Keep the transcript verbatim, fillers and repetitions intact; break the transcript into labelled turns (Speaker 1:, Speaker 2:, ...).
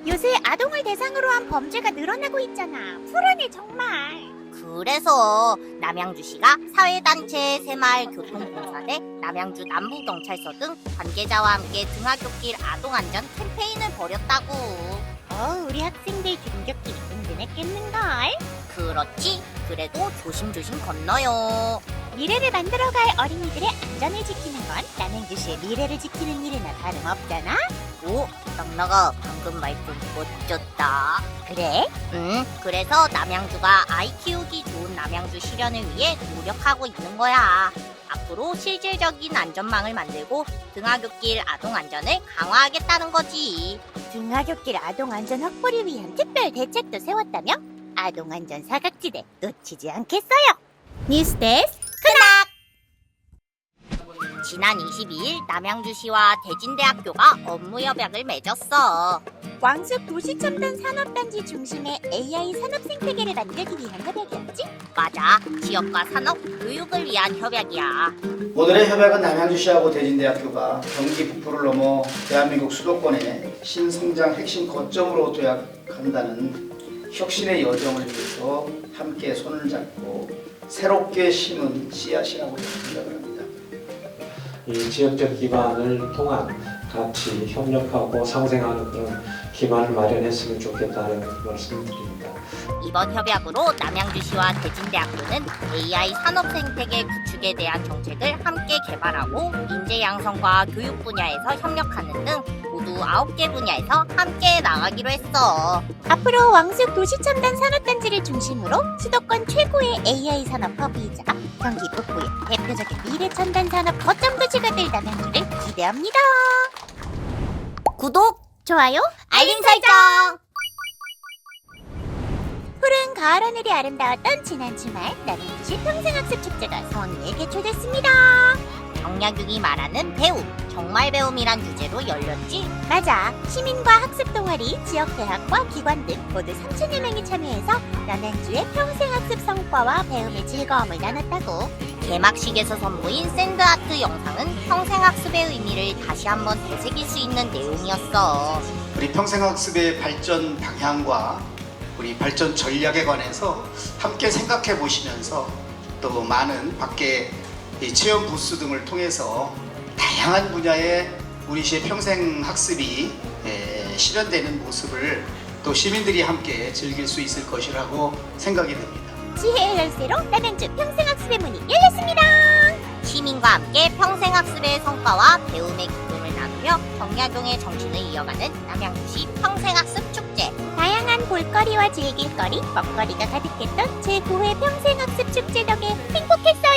Speaker 1: 요새 아동을 대상으로 한 범죄가 늘어나고 있잖아. 불안해 정말.
Speaker 2: 그래서 남양주시가 사회단체 새마을교통공사대, 남양주 남부경찰서 등 관계자와 함께 등하굣길 아동안전 캠페인을 벌였다고.
Speaker 1: 어, 우리 학생들 등굣길이 든든했겠는걸?
Speaker 2: 그렇지. 그래도 조심조심 건너요.
Speaker 1: 미래를 만들어갈 어린이들의 안전을 지키는 건 남양주시의 미래를 지키는 일이나 다름없잖아.
Speaker 2: 오, 낙나가 방금 말 좀 멋졌다.
Speaker 1: 그래?
Speaker 2: 응, 그래서 남양주가 아이 키우기 좋은 남양주 실현을 위해 노력하고 있는 거야. 앞으로 실질적인 안전망을 만들고 등하굣길 아동 안전을 강화하겠다는 거지.
Speaker 1: 등하굣길 아동 안전 확보를 위한 특별 대책도 세웠다며? 아동 안전 사각지대 놓치지 않겠어요. 뉴스데스크 크닥!
Speaker 2: 지난 이십이일 남양주시와 대진대학교가 업무 협약을 맺었어.
Speaker 1: 왕숙 도시첨단 산업단지 중심의 에이아이 산업 생태계를 만들기 위한 협약이었지?
Speaker 2: 맞아, 지역과 산업, 교육을 위한 협약이야.
Speaker 3: 오늘의 협약은 남양주시하고 대진대학교가 경기 북부를 넘어 대한민국 수도권의 신성장 핵심 거점으로 도약한다는 혁신의 여정을 위해서 함께 손을 잡고 새롭게 심은 씨앗이라고 생각을 합니다.
Speaker 4: 이 지역적 기반을 통한 같이 협력하고 상생하는 그런 기반을 마련했으면 좋겠다는 말씀을 드립니다.
Speaker 2: 이번 협약으로 남양주시와 대진대학교는 에이아이 산업 생태계 구축에 대한 정책을 함께 개발하고 인재 양성과 교육 분야에서 협력하는 등 모두 아홉 개 분야에서 함께 나가기로 했어.
Speaker 1: 앞으로 왕숙 도시첨단 산업단지를 중심으로 수도권 최고의 에이아이 산업 허브이자 경기 북부의 대표적인 미래첨단 산업 거점 도시가 될 남양주를 기대합니다.
Speaker 2: 구독,
Speaker 1: 좋아요,
Speaker 2: 알림 설정!
Speaker 1: 푸른 가을 하늘이 아름다웠던 지난 주말 남양주시 평생학습 축제가 성황리에 개최됐습니다.
Speaker 2: 정약용이 말하는 배움, 정말 배움이란 주제로 열렸지.
Speaker 1: 맞아. 시민과 학습 동아리, 지역 대학과 기관 등 모두 삼천여 명이 참여해서 남양주의 평생학습 성과와 배움의 즐거움을 나눴다고.
Speaker 2: 개막식에서 선보인 샌드아트 영상은 평생학습의 의미를 다시 한번 되새길 수 있는 내용이었어.
Speaker 3: 우리 평생학습의 발전 방향과 우리 발전 전략에 관해서 함께 생각해 보시면서 또 많은 밖에 이 체험 부스 등을 통해서 다양한 분야의 우리 시의 평생학습이 에, 실현되는 모습을 또 시민들이 함께 즐길 수 있을 것이라고 생각이 듭니다.
Speaker 1: 지혜의 열쇠로 남양주 평생학습의 문이 열렸습니다.
Speaker 2: 시민과 함께 평생학습의 성과와 배움의 기쁨을 나누며 정약용의 정신을 이어가는 남양주시 평생학습 축제.
Speaker 1: 다양한 볼거리와 즐길거리, 먹거리가 가득했던 제구 회 평생학습 축제 덕에 행복했어요.